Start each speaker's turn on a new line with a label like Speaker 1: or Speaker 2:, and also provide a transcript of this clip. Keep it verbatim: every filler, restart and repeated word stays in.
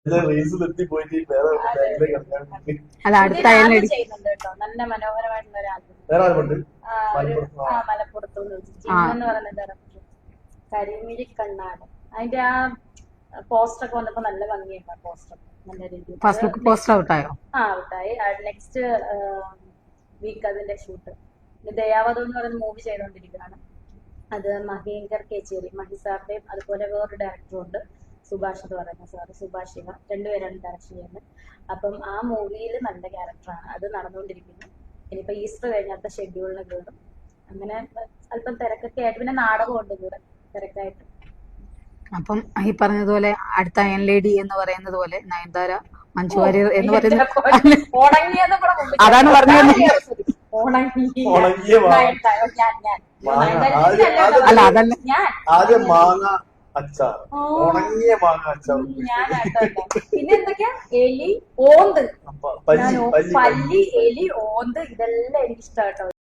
Speaker 1: റീൽസിലെത്തി പോയിട്ട് വേറെ ബാങ്കിലേക്ക് ഇറങ്ങാൻ വേണ്ടി.
Speaker 2: അല്ല അടുത്ത
Speaker 3: ആൽബം
Speaker 2: അയൽലേഡി
Speaker 3: ചെയ്യുന്നുണ്ട് കേട്ടോ, നല്ല മനോഹരമായിട്ടുള്ള ഒരു ആൽബം.
Speaker 1: വേറെ ആരുമുണ്ട്?
Speaker 3: ആ, ഒരു ആ മലപ്പുറത്ത് ചിന്നെന്ന് പറയുന്ന ഡയറക്ടർ കരിമിഴി കണ്ണാട്. അതിന്റെ ആ പോസ്റ്റർ ഒക്കെ വന്നപ്പോ നല്ല ഭംഗിയുണ്ട്. പോസ്റ്റർ നല്ല രീതിയിൽ
Speaker 2: ഫസ്റ്റ് ലുക്ക് പോസ്റ്റർ ഔട്ടായോ?
Speaker 3: ആ ഔട്ടായി. നെക്സ്റ്റ് വീക്ക് അതിന്റെ ഷൂട്ട്. ദയാവധം എന്ന് പറയുന്ന മൂവി ചെയ്തുകൊണ്ടിരിക്കുകയാണ്. അത് മഹേങ്കർ കേച്ചേരി, മഹി സാറിന്റെയും അതുപോലെ വേറൊരു ഡയറക്ടറും ഉണ്ട്, സുഭാഷ് എന്ന് പറയുന്ന സാറ്, സുഭാഷ് ശിവ, രണ്ടുപേരാണ് ഡയറക്ഷൻ ചെയ്യുന്നത്. അപ്പം ആ മൂവിയിൽ നല്ല ക്യാരക്ടറാണ്, അത് നടന്നുകൊണ്ടിരിക്കുന്നു. ഇനിയിപ്പോ ഈസ്റ്റർ കഴിഞ്ഞാത്ത ഷെഡ്യൂളിന് കയറും. അങ്ങനെ അല്പം തിരക്കൊക്കെ ആയിട്ട്, പിന്നെ നാടകമുണ്ട് കൂടെ തിരക്കായിട്ട്.
Speaker 2: അപ്പം ഈ പറഞ്ഞതുപോലെ അടുത്ത അയൺ ലേഡി എന്ന് പറയുന്നത് പോലെ നയൻതാര, മഞ്ജു വാര്യർ എന്ന് പറയുന്നത്
Speaker 3: ഉണങ്ങിയെന്ന് കൂടെ മുമ്പ്
Speaker 2: അതാണ് പറഞ്ഞത്.
Speaker 3: ഉണങ്ങി
Speaker 1: ഉണങ്ങിയ മാ-
Speaker 3: ഞാൻ ഞാൻ
Speaker 1: മാങ്ങ.
Speaker 3: ഞാൻ
Speaker 1: ആദ്യം- ആദ്യം-
Speaker 2: അല്ല അതല്ല
Speaker 3: ഞാൻ
Speaker 1: ആദ്യം മാങ്ങ അച്ചാർ,
Speaker 3: ഓ.
Speaker 1: ഉണങ്ങിയ മാങ്ങ അച്ചാർ,
Speaker 3: ഞാനായിട്ടോ. പിന്നെ എന്തൊക്കെയാ, എലി, ഓന്ത്,
Speaker 1: പല്ലി
Speaker 3: ഞാൻ ഓ-
Speaker 1: പല്ലി
Speaker 3: പല്ലി, എലി, ഓന്ത്, ഇതെല്ലാം എനിക്ക് ഇഷ്ടമായിട്ടോ.